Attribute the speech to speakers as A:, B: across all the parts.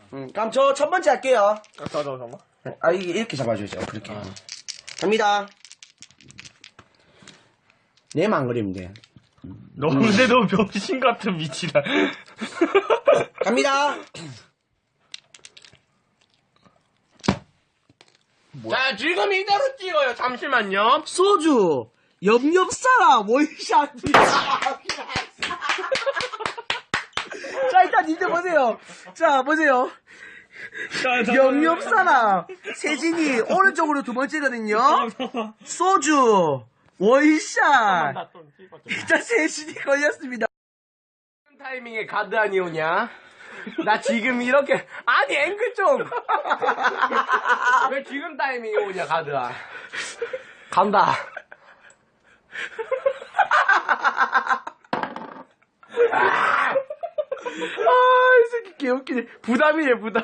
A: 그럼 저 첫 번째 할게요.
B: 잠깐만.
A: 아, 이게 이렇게 잡아줘야죠. 그렇게. 갑니다. 내만 안 그리면 돼.
B: 너 근데 너 병신 같은 미치다.
A: 갑니다.
C: 자, 지금 이대로 찍어요. 잠시만요.
A: 소주, 엽엽사라, 원샷이야. 자, 일단 이제 보세요. 자, 보세요. 엽엽사라, 세진이 오른쪽으로 두 번째거든요. 소주, 원샷. 일단 세진이 걸렸습니다.
C: 타이밍에 가드 아니오냐? 나 지금 이렇게 아니 앵글 좀. 왜 지금 타이밍에 오냐 가드야? 간다.
A: 이 새끼 개웃기네. 부담이네, 부담.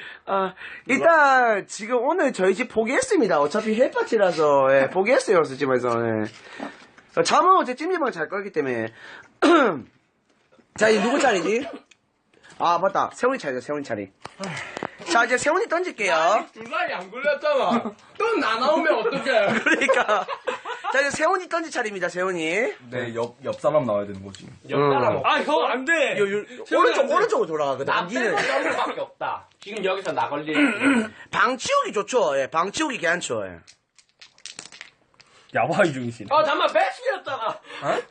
A: 일단, 지금 오늘 저희 집 포기했습니다. 어차피 헬파티라서, 예, 포기했어요, 집에서, 예. 잠은 어제 찜질방 잘 거기 때문에. 자, 이제 누구 차례지? 아, 맞다. 세훈이 차례죠, 세훈이 차례. 자, 이제 세훈이 던질게요.
C: 중간에 안 걸렸잖아. 또 나 나오면 어떡해?
A: 그러니까. 자, 이제 세훈이 던질 차례입니다, 세훈이.
D: 네, 옆 사람 나와야 되는 거지.
C: 옆사람
B: 아, 형, 안 돼!
A: 오른쪽으로 돌아가거든.
C: 나
A: 니는
C: 빼고 점수밖에 없다. 지금 여기서 나 걸릴.
A: 방 치우기 좋죠, 예. 방 치우기 괜찮죠, 예.
B: 야화이 중이시네.
C: 잠깐만 패스였잖아.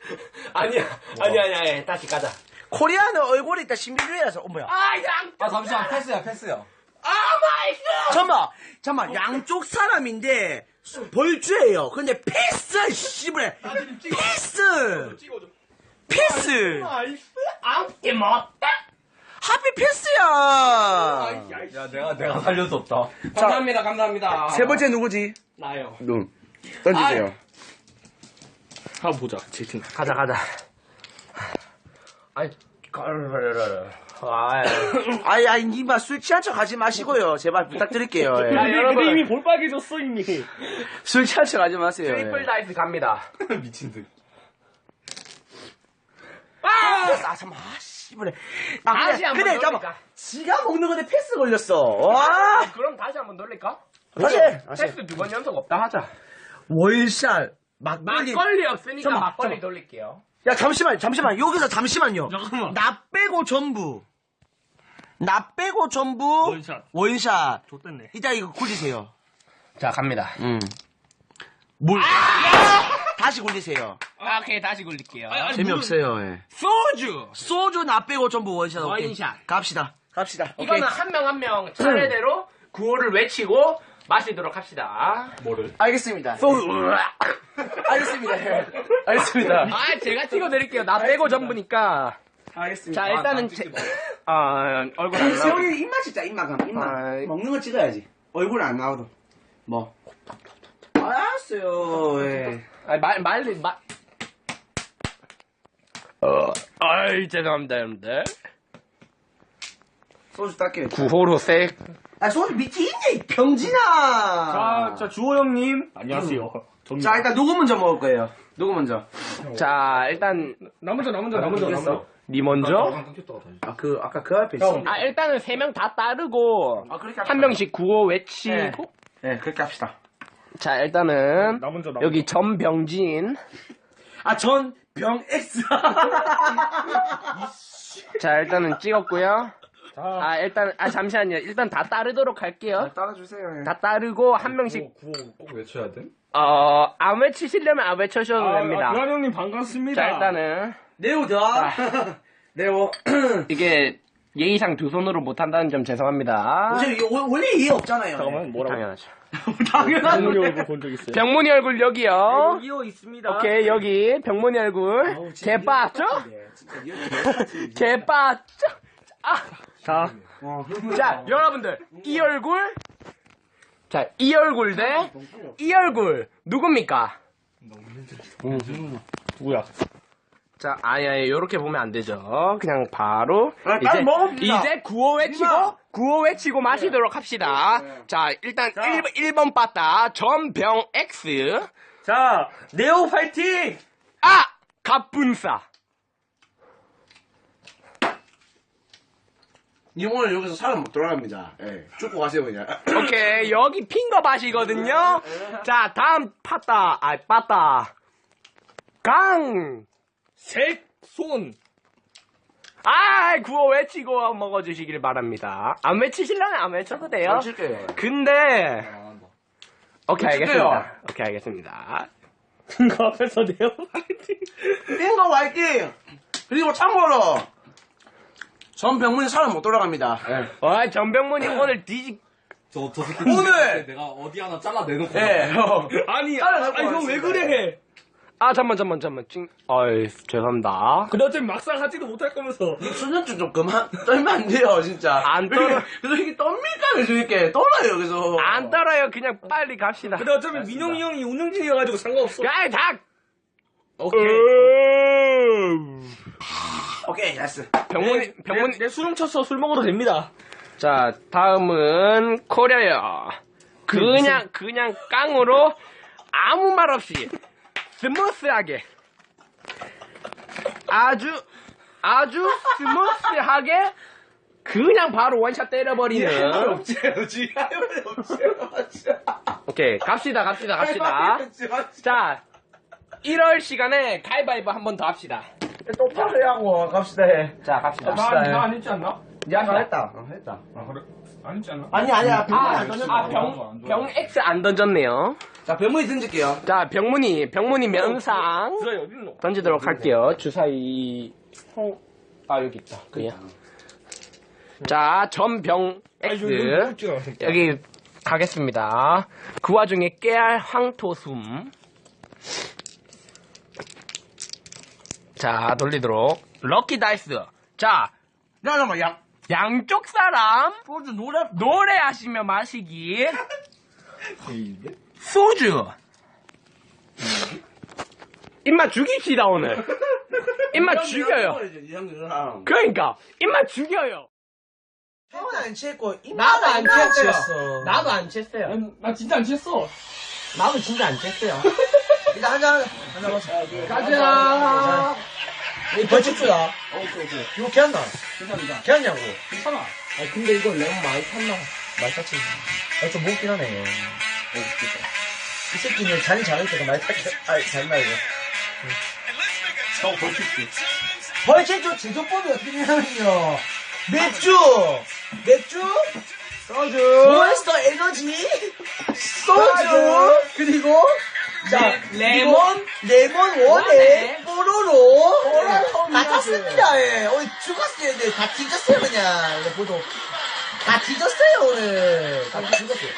C: 아니야. 다시 가자.
A: 코리아는 얼굴이 일단 신비주의라서, 뭐야.
D: 아, 잠시만, 패스야.
A: 잠깐만, 양쪽 사람인데, 벌주예요. 근데 패스, 씨발. 패스.
C: 아무게 못다.
A: 하필 패스야.
D: 야, 내가 살릴 수 없다.
C: 감사합니다.
A: 세 번째 누구지?
C: 나요.
A: 눈. 던지세요.
B: 한번 보자, 채팅.
C: 가자.
A: 아이, 니마 술 취한 척 하지 마시고요. 제발 부탁드릴게요. 예.
C: 야, 여러분.
B: 이미 볼빨개졌어, 이미.
A: 술 취한 척 하지 마세요.
C: 트리플
A: 예.
C: 다이스 갑니다.
D: 미친 듯.
A: 잠깐만, 씨발.
C: 다시 한번
A: 근데,
C: 넣을까?
A: 잠깐만. 지가 먹는 건데 패스 걸렸어. 와.
C: 그럼 다시 한번 놀릴까?
A: 다시.
C: 패스 2번 연속 없다 하자.
A: 월샷. 막걸리.
C: 막걸리 없으니까
A: 잠깐만,
C: 막걸리
A: 잠깐만.
C: 돌릴게요.
A: 야, 잠시만. 여기서 잠시만요.
B: 잠깐만.
A: 나 빼고 전부. 원샷.
B: 좋댔네.
A: 이따 이거 굴리세요.
C: 자, 갑니다.
A: 물. 다시 굴리세요.
C: 오케이, 다시 굴릴게요.
A: 재미없어요, 예. 소주 나 빼고 전부 원샷. 오케이.
C: 원샷.
A: 갑시다.
C: 이거는 한 명 한 명 차례대로 구호를 외치고 마시도록 합시다.
D: 뭐를?
A: 알겠습니다. 알겠습니다. 예. 알겠습니다.
C: 제가 찍어드릴게요. 나 빼고 전부니까.
A: 알겠습니다.
C: 자, 일단은 얼굴 안 나오고.
A: 세훈이 입맛 찍자, 입맛. 먹는 거 찍어야지. 얼굴 안 나와도. 뭐. 알았어요, 예.
C: 죄송합니다, 여러분들.
A: 소주 닦여요.
C: 구호로 색.
A: 소주 밑에 있네, 이 병진아!
B: 자, 주호 형님. 안녕하세요.
A: 자, 일단 누구 먼저 먹을 거예요? 누구 먼저?
C: 자, 일단
B: 나 먼저.
C: 니 먼저.
A: 아까 그 앞에 있어.
C: 일단은 3명 다 따르고
A: 그렇게
C: 한 명씩 구호 외치고.
A: 네, 그렇게 합시다.
C: 자, 일단은
B: 나 먼저.
C: 여기 전병진.
A: 병 X.
C: 자, 일단은 찍었고요. 잠시만요. 일단 다 따르도록 할게요.
A: 따라주세요.
C: 다 따르고 한 명씩
D: 구호 꼭 외쳐야 돼?
C: 안 외치시려면 안 외쳐셔도 됩니다.
B: 유한 형님 반갑습니다.
C: 자, 일단은
A: 네오다. 네오.
C: 이게 예의상 두 손으로 못 한다는 점 죄송합니다.
A: 원래 이해 없잖아요.
B: 잠깐만, 뭐라고?
C: 당연하죠.
A: 당연한
B: 병문이 얼굴 본 적 있어요.
C: 병문이 얼굴 여기요.
A: 이어 있습니다.
C: 오케이, 여기 병문이 얼굴. 개빠죠? 개빠죠? 자, 여러분들 이 얼굴. 자, 이 얼굴 대 이 얼굴 누굽니까?
B: 누구야?
C: 자, 요렇게 보면 안 되죠. 그냥 바로
A: 빨리 먹읍시다.
C: 이제 구호 외치고 마시도록 합시다. 자, 일단 1번 빠따 전병 X.
A: 자, 네오 파이팅!
C: 갑분싸.
A: 니 오늘 여기서 사람 못 돌아갑니다. 예. 죽고 가세요, 그냥.
C: 오케이, 여기 핑거 밭이거든요. 자, 다음 빠따.
B: 색손.
C: 구호 외치고 먹어주시길 바랍니다. 안 외치실라면 안 외쳐도 돼요.
A: 안 칠게요.
C: 근데, 오케이,
A: 외칠게요.
C: 알겠습니다. 오케이, 알겠습니다.
B: 그 앞에서 내요.
A: 핑거 화이팅! 그리고 참고로, 전병문이 사람 못 돌아갑니다. 예.
C: 전병문이 오늘
D: 저 새끼
A: 오늘!
D: 내가 어디 하나 잘라 내놓고.
A: 예.
B: 아니,
A: 따라잡고
B: 형 왜
A: 왔습니다.
B: 그래?
C: 잠만. 죄송합니다.
B: 근데 어차피 막상 하지도 못할 거면서.
A: 수전증 좀 그만 떨면 안 돼요, 진짜.
C: 안 떨어.
A: 그래서 이게 떱니까? 그래서 이렇게 떨어요, 그래서.
C: 안 떨어요. 그냥 빨리 갑시다.
B: 근데 어차피 민영이 형이 운영진이어가지고 상관없어.
C: 야, 닭!
A: 오케이. 오케이, 됐어.
C: 병문이.
B: 내 수능 쳤어. 술 먹어도 됩니다.
C: 자, 다음은 코려요. 그냥 깡으로 아무 말 없이 스무스하게 아주 스무스하게 그냥 바로 원샷 때려버리는. 오케이, 갑시다. 자, 1월 시간에 가위바위보 한 번 더 합시다.
A: 똑바로 하고 갑시다 해.
C: 자, 갑시다.
B: 나안 했지 않나?
A: 야, 했다. 했다.
B: 아, 그래? 안 했지 않나?
A: 아니야. 병문이 안 던졌다.
C: 병 X 안 던졌네요.
A: 자, 병문이 던질게요.
C: 자, 병문이 명상
B: 주사위 어딨노?
C: 던지도록 할게요. 주사위 여기 있다. 그냥. 자, 전병 X 여기 가겠습니다. 그 와중에 깨알 황토숨. 자, 돌리도록 럭키 다이스. 자,
A: 잠깐만, 야.
C: 양쪽 사람
A: 소주
C: 노래하시며 마시기. 소주. 입맛 죽입시다 오늘. 입맛 죽여요. 그러니까 입맛 죽여요.
A: 형은 안 취했고,
C: 나도 안 취했어요.
A: 취했어.
C: 나도 안 취했어요.
B: 나 진짜 안 취했어.
C: 나도 진짜 안 취했어요.
A: 일단 한잔 마셔.
C: 가자.
A: 이 벌칙주야. 이거 걔한다.
B: 괜찮아.
A: 걔한냐고.
B: 괜찮아.
C: 근데 이거 레몬 많이 탔나?
A: 많이 탔지. 좀 무겁긴 하네. 이 새끼는 잔이 작을 때가 많이 탔지. 잔나, 이거.
B: 저 벌칙주.
A: 벌칙주 제조법이 어떻게 되냐면요. 맥주, 소주, 몬스터 에너지, 소주, 그리고 자
C: 레몬
A: 원에 뽀로로 다 탔습니다. 예. 오늘 죽었어요. 네. 다 뒤졌어요 그냥. 이거 보도 다 뒤졌어요 오늘. 다 뒤졌어요.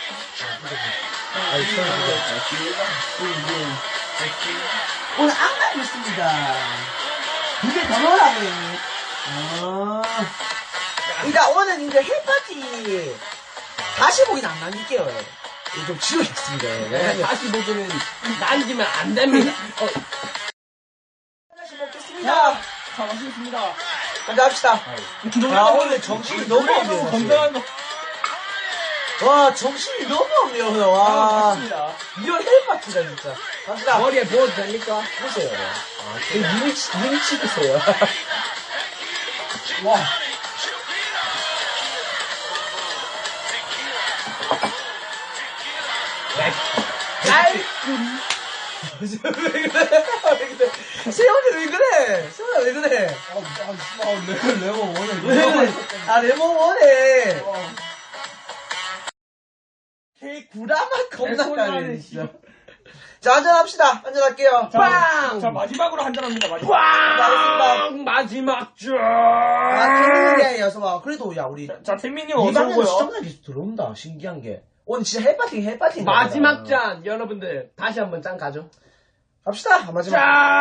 A: 오늘 악마이 있습니다. 이게 더 넣으라고. 그러니까 오늘 이제 헬파티 다시 보기는 안 남길게요. 좀 지우겠습니다. 네.
C: 다시 보기는 남기면 안 됩니다.
A: 다시 먹겠습니다.
B: 자, 마시겠습니다.
A: 한잔 합시다. 오늘 정신이 너무 없네요. 사실.
B: 건강한 거.
A: 와, 정신이 너무 없네요. 오늘. 와,
B: 맞습니다.
A: 이런 헬파티다 진짜. 갑시다.
C: 머리에 부어도 됩니까?
A: 보세요. 눈이 치드세요. 와. 왜 그래? 세훈이 왜 그래? 세훈아 왜 그래?
D: 레몬 원해.
A: 레몬 원해. 걔 구라만 겁나 까네 진짜. 자, 한잔합시다. 한잔할게요. 빵!
B: 자, 마지막으로 한잔합니다. 마지막.
A: 빵!
C: 마지막 주.
A: 태민이 어서 와. 그래도 야 우리
B: 자, 태민이
A: 이
B: 어서
A: 방에는
B: 오고요.
A: 시청자 계속 들어온다. 신기한 게. 오늘 진짜 헬파팅.
C: 마지막 잔 여러분들 다시 한번 짠 가죠.
A: 갑시다. 마지막.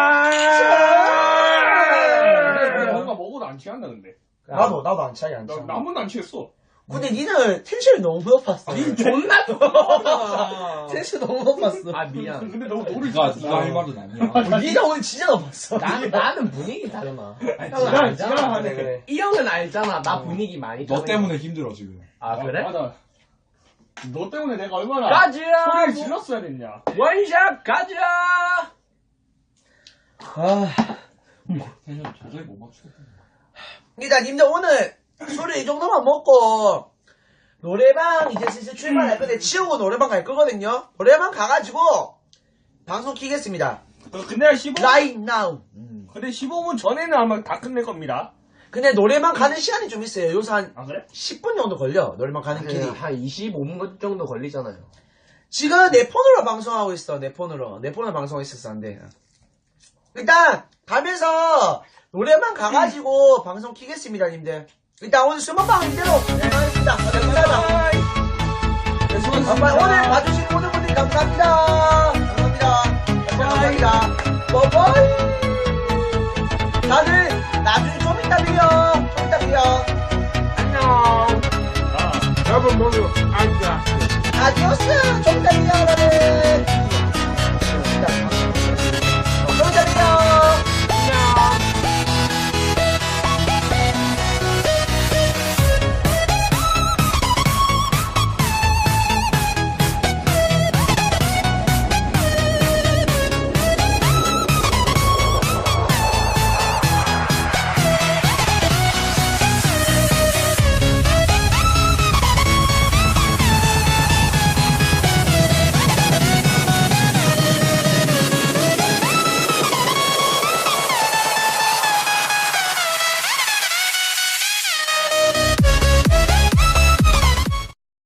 B: 근데 뭔가 먹어도 안 취한다, 근데.
A: 나도 안 차이 안 차.
B: 나 한 번도 안 취했어.
A: 근데 니는 텐션이 너무 높았어.
C: 존나
A: 텐션 너무 높았어.
C: 미안.
B: 근데 너무 노를
D: 네가
B: 쳤어.
D: 할 말은 아니야.
A: 니가 오늘 진짜 높았어.
C: 나는 분위기 다르나.
B: 지랄,
C: 알잖아.
B: 지랄하네, 그래.
C: 이 형은 알잖아. 나 분위기 많이
D: 너
C: 타는
D: 때문에 힘들어 지금.
C: 거. 그래?
B: 맞아. 너 때문에 내가 얼마나
C: 가자!
B: 소리를 질렀어야 됐냐.
C: 원샷 가자!
A: 아.
D: 텐션 도저히 못 맞추겠다.
A: 일단 님들 오늘 술을 이 정도만 먹고 노래방 이제 슬슬 출발할 건데 치우고 노래방 갈 거거든요. 노래방 가가지고 방송 키겠습니다.
B: 근데 15분,
A: Right now.
B: 근데 15분 전에는 아마 다 끝낼 겁니다.
A: 근데 노래방 가는 시간이 좀 있어요. 요새 한
B: 아, 그래?
A: 10분 정도 걸려. 노래방 가는 길이.
C: 한 25분 정도 걸리잖아요.
A: 지금 내 폰으로 방송하고 있어. 내 폰으로 방송하고 있었어. 안 돼. 일단 가면서 노래방 가가지고 방송 키겠습니다, 님들. 일단 오늘 수목방 이대로 하겠습니다. 감사합니다. 네, 수고하셨습니다. 오늘 봐주신 모든 분들 감사합니다. 감사합니다. 빠이빠이. 다들 나중에 좀 이따 봬요.
C: 안녕.
B: 아.
C: 여러분 모두 안녕.
A: 아디오스. 좀 이따 봬요, 여러분.